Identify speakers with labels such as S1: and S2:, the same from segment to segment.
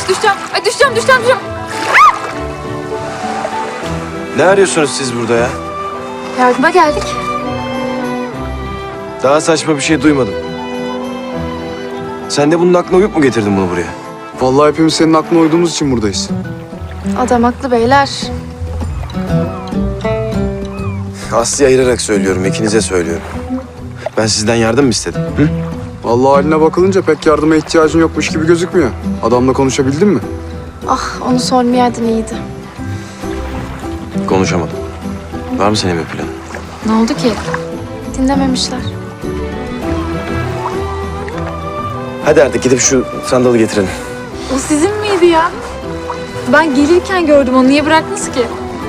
S1: düşeceğim. Ay düşeceğim.
S2: Ne arıyorsunuz siz burada ya?
S1: Yardıma geldik.
S2: Daha saçma bir şey duymadım. Sen de bunun aklına uyup mu getirdin bunu buraya?
S3: Vallahi hepimiz senin aklına uyduğumuz için buradayız.
S1: Adam haklı beyler.
S2: Aslı'ya ayırarak söylüyorum, ikinize söylüyorum. Ben sizden yardım mı istedim? Hı?
S3: Vallahi haline bakılınca pek yardıma ihtiyacın yokmuş gibi gözükmüyor. Adamla konuşabildin mi?
S1: Ah onu sormayaydın iyiydi.
S2: Konuşamadım. Var mı senin bir planın?
S1: Ne oldu ki? Dinlememişler.
S2: Hadi artık gidip şu sandalı getirelim.
S1: O sizin miydi ya? Ben gelirken gördüm onu. Niye bıraktınız ki?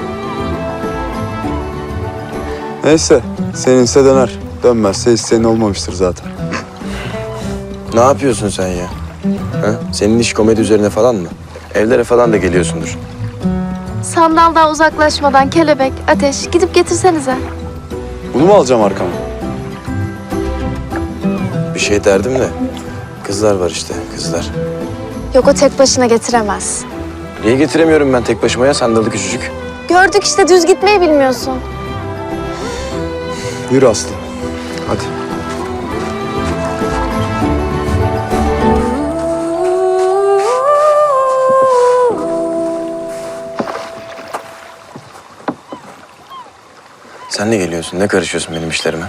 S3: Neyse, seninse döner. Dönmezse isteğin olmamıştır zaten.
S2: Ne yapıyorsun sen ya? Ha? Senin iş komedi üzerine falan mı? Evlere falan da geliyorsundur.
S1: Sandaldan uzaklaşmadan kelebek, ateş gidip getirsenize.
S3: Bunu mu alacağım arkama?
S2: Bir şey derdim de. Kızlar var işte, kızlar.
S1: Yok o tek başına getiremez.
S2: Niye getiremiyorum ben tek başıma ya sandalı küçücük?
S1: Gördük işte düz gitmeyi bilmiyorsun.
S3: Yürü Aslı. Hadi.
S2: Sen ne geliyorsun, ne karışıyorsun benim işlerime?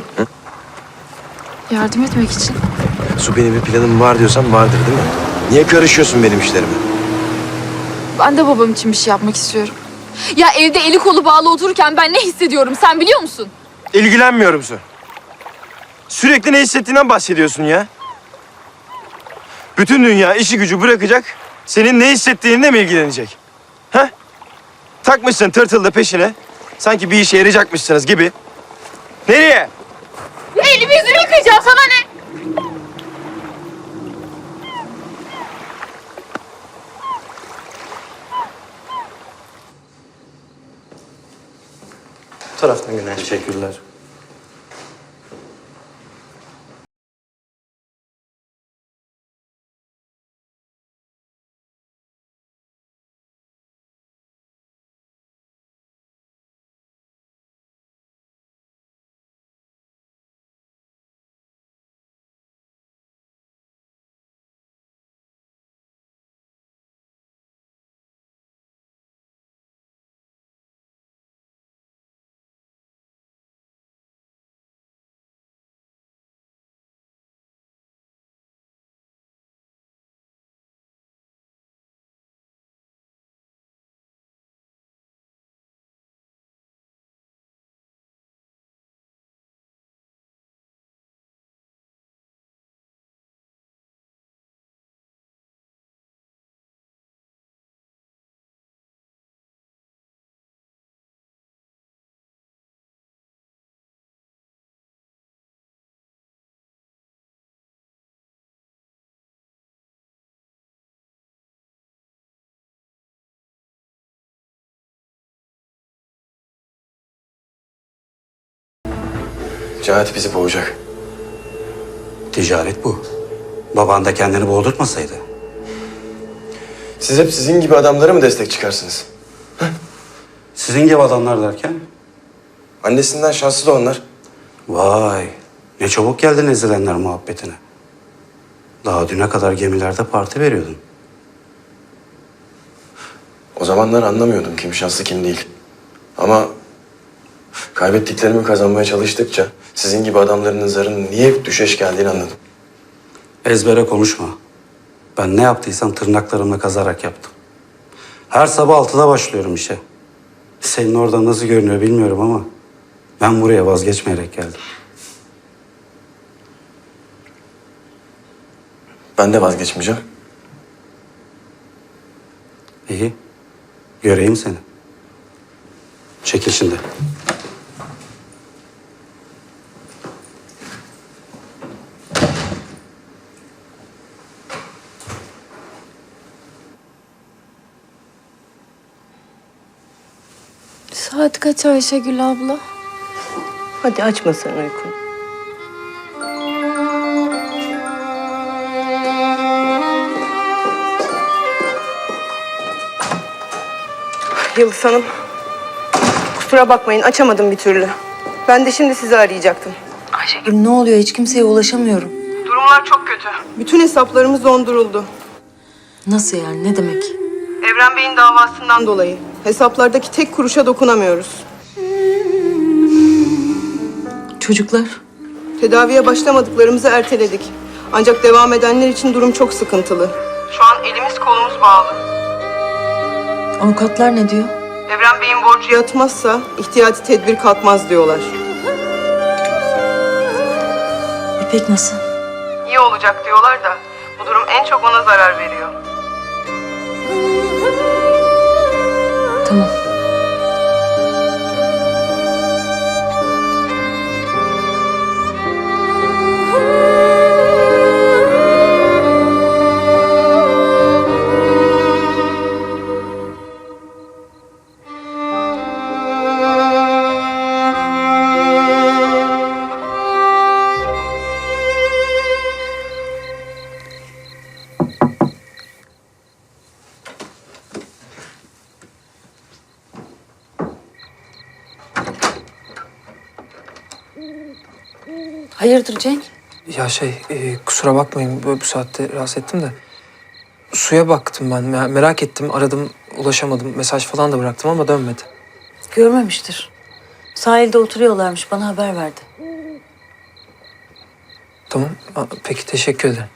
S1: Yardım etmek için.
S2: Su benim bir planım var diyorsan vardır değil mi? Niye karışıyorsun benim işlerime?
S1: Ben de babam için bir şey yapmak istiyorum. Ya evde eli kolu bağlı otururken ben ne hissediyorum sen biliyor musun?
S2: İlgilenmiyorum Su. Sürekli ne hissettiğinden bahsediyorsun ya. Bütün dünya işi gücü bırakacak, senin ne hissettiğinle mi ilgilenecek? Ha? Takmışsın tırtıl da peşine, sanki bir işe yarayacakmışsınız gibi. Nereye?
S1: Elimi yüzümü yıkayacağım sana ne?
S2: Bu taraftan Güney. Teşekkürler. Cahit bizi boğacak.
S4: Ticaret bu. Baban da kendini boğdurtmasaydı.
S2: Siz hep sizin gibi adamlara mı destek çıkarsınız?
S4: Sizin gibi adamlar derken?
S2: Annesinden şanslı da onlar.
S4: Vay, ne çabuk geldin ezilenler muhabbetine. Daha düne kadar gemilerde parti veriyordun.
S2: O zamanlar anlamıyordum kim şanslı kim değil. Ama kaybettiklerimi kazanmaya çalıştıkça sizin gibi adamların zarının niye hep düşeş geldiğini anladım.
S4: Ezbere konuşma. Ben ne yaptıysam tırnaklarımla kazarak yaptım. Her sabah 6'da başlıyorum işe. Senin orada nasıl görünüyor bilmiyorum ama ben buraya vazgeçmeyerek geldim.
S2: Ben de vazgeçmeyeceğim.
S4: İyi, göreyim seni. Çekil şimdi.
S1: Saat kaç Ayşegül abla?
S5: Hadi açma sen uykunu. Yıldız Hanım. Kusura bakmayın, açamadım bir türlü. Ben de şimdi sizi arayacaktım.
S6: Ayşegül ne oluyor? Hiç kimseye ulaşamıyorum.
S5: Durumlar çok kötü. Bütün hesaplarımız donduruldu.
S6: Nasıl yani? Ne demek?
S5: Evren Bey'in davasından dolayı. Hesaplardaki tek kuruşa dokunamıyoruz.
S6: Çocuklar?
S5: Tedaviye başlamadıklarımızı erteledik. Ancak devam edenler için durum çok sıkıntılı. Şu an elimiz kolumuz bağlı.
S6: Avukatlar ne diyor?
S5: Evren Bey'in borcu yatmazsa ihtiyati tedbir kalkmaz diyorlar.
S6: İpek nasıl?
S5: İyi olacak diyorlar da bu durum en çok ona zarar veriyor.
S6: Tamam. Hayırdır Cenk?
S7: Ya kusura bakmayın böyle bu saatte rahatsız ettim de. Suya baktım ben, merak ettim, aradım, ulaşamadım. Mesaj falan da bıraktım ama dönmedi.
S6: Görmemiştir. Sahilde oturuyorlarmış. Bana haber verdi.
S7: Tamam, peki teşekkür ederim.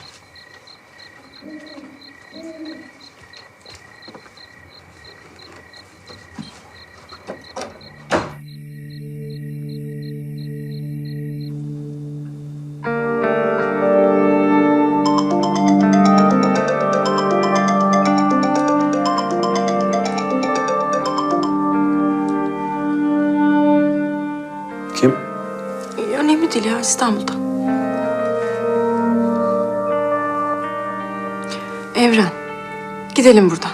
S4: Kim?
S6: Önemli değil ya, İstanbul'da. Evren, gidelim buradan.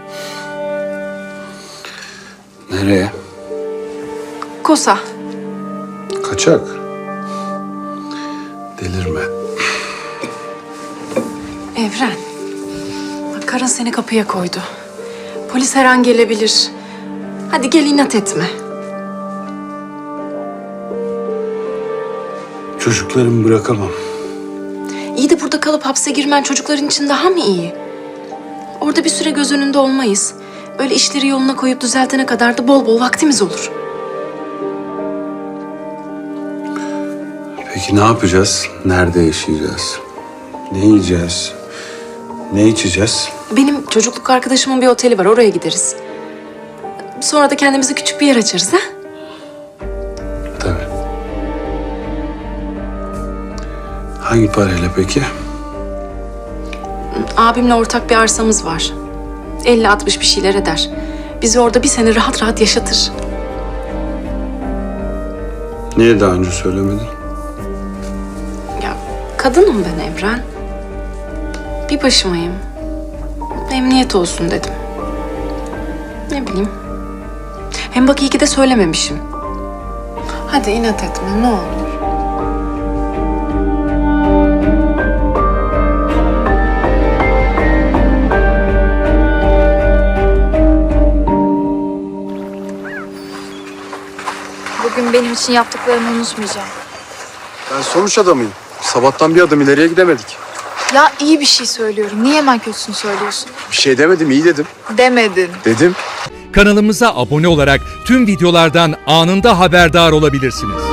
S3: Nereye?
S6: Kosa.
S3: Kaçak. Delirme.
S6: Evren, bak karın seni kapıya koydu. Polis her an gelebilir. Hadi gel, inat etme.
S3: Çocuklarımı bırakamam.
S6: İyi de burada kalıp hapse girmen çocukların için daha mı iyi? Orada bir süre göz önünde olmayız. Böyle işleri yoluna koyup düzeltene kadar da bol bol vaktimiz olur.
S3: Peki ne yapacağız? Nerede yaşayacağız? Ne yiyeceğiz? Ne içeceğiz?
S6: Benim çocukluk arkadaşımın bir oteli var, oraya gideriz. Sonra da kendimize küçük bir yer açarız ha?
S3: Tabii. Hangi parayla peki?
S6: Abimle ortak bir arsamız var. 50-60 bir şeyler eder. Bizi orada bir sene rahat rahat yaşatır.
S3: Niye daha önce söylemedin?
S6: Ya kadınım ben Evren. Bir başımayım. Emniyet olsun dedim. Ne bileyim. Hem bak iyi ki de söylememişim. Hadi inat etme ne olur.
S1: Bugün benim için yaptıklarını unutmayacağım.
S3: Ben sonuç adamıyım. Sabahtan bir adım ileriye gidemedik.
S1: Ya iyi bir şey söylüyorum. Niye hemen kötüsünü söylüyorsun?
S3: Bir şey demedim, iyi dedim.
S1: Demedin.
S3: Dedim.
S8: Kanalımıza abone olarak tüm videolardan anında haberdar olabilirsiniz.